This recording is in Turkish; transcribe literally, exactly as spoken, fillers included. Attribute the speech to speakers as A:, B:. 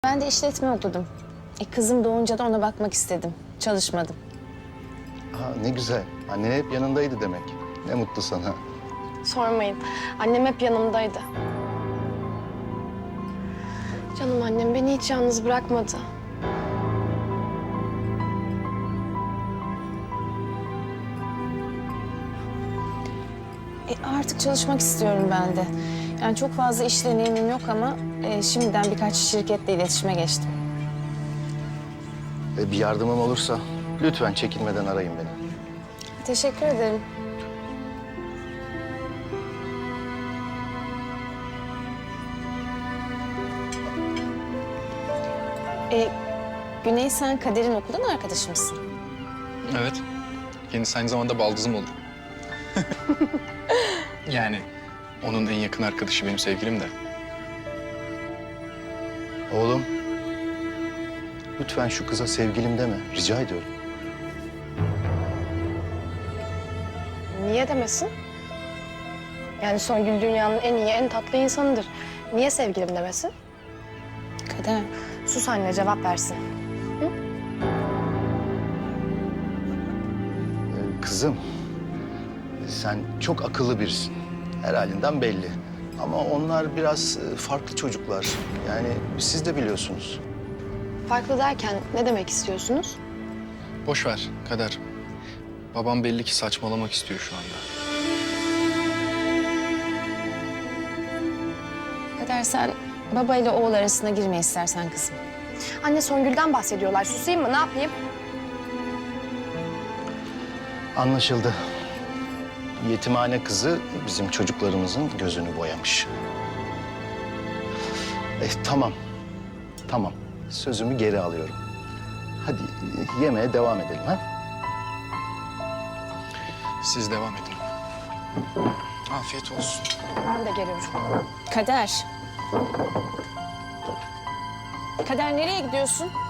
A: Ben de işletme okudum. E, kızım doğunca da ona bakmak istedim. Çalışmadım.
B: Ha, ne güzel. Annen hep yanındaydı demek. Ne mutlu sana.
C: Sormayın. Annem hep yanımdaydı. Canım annem beni hiç yalnız bırakmadı.
A: E, artık çalışmak istiyorum ben de. Yani çok fazla iş deneyimim yok ama e, şimdiden birkaç şirketle iletişime geçtim.
B: E, bir yardımım olursa lütfen çekinmeden arayın beni.
A: Teşekkür ederim. E, Güney, sen Kader'in okuldan arkadaşı mısın?
D: Evet. Kendisi aynı zamanda baldızım olur. Yani onun en yakın arkadaşı benim sevgilim de.
B: Oğlum, lütfen şu kıza sevgilim deme. Rica ediyorum.
C: Niye demesin? Yani Songül dünyanın en iyi, en tatlı insanıdır. Niye sevgilim demesin?
A: Kader.
C: Sus anne, cevap versin.
B: Ee, kızım, sen çok akıllı birisin. Her halinden belli. Ama onlar biraz e, farklı çocuklar. Yani siz de biliyorsunuz.
C: Farklı derken ne demek istiyorsunuz?
D: Boş ver Kader. Babam belli ki saçmalamak istiyor şu anda.
A: Kader, sen baba ile oğul arasına girme istersen kızım.
C: Anne Songül'den bahsediyorlar. Susayım mı? Ne yapayım?
B: Anlaşıldı. Yetimhane kızı bizim çocuklarımızın gözünü boyamış. Eh, tamam, tamam. Sözümü geri alıyorum. Hadi e, yemeğe devam edelim ha?
D: Siz devam edin. Afiyet olsun.
C: Ben de geliyorum.
A: Kader. Kader, nereye gidiyorsun?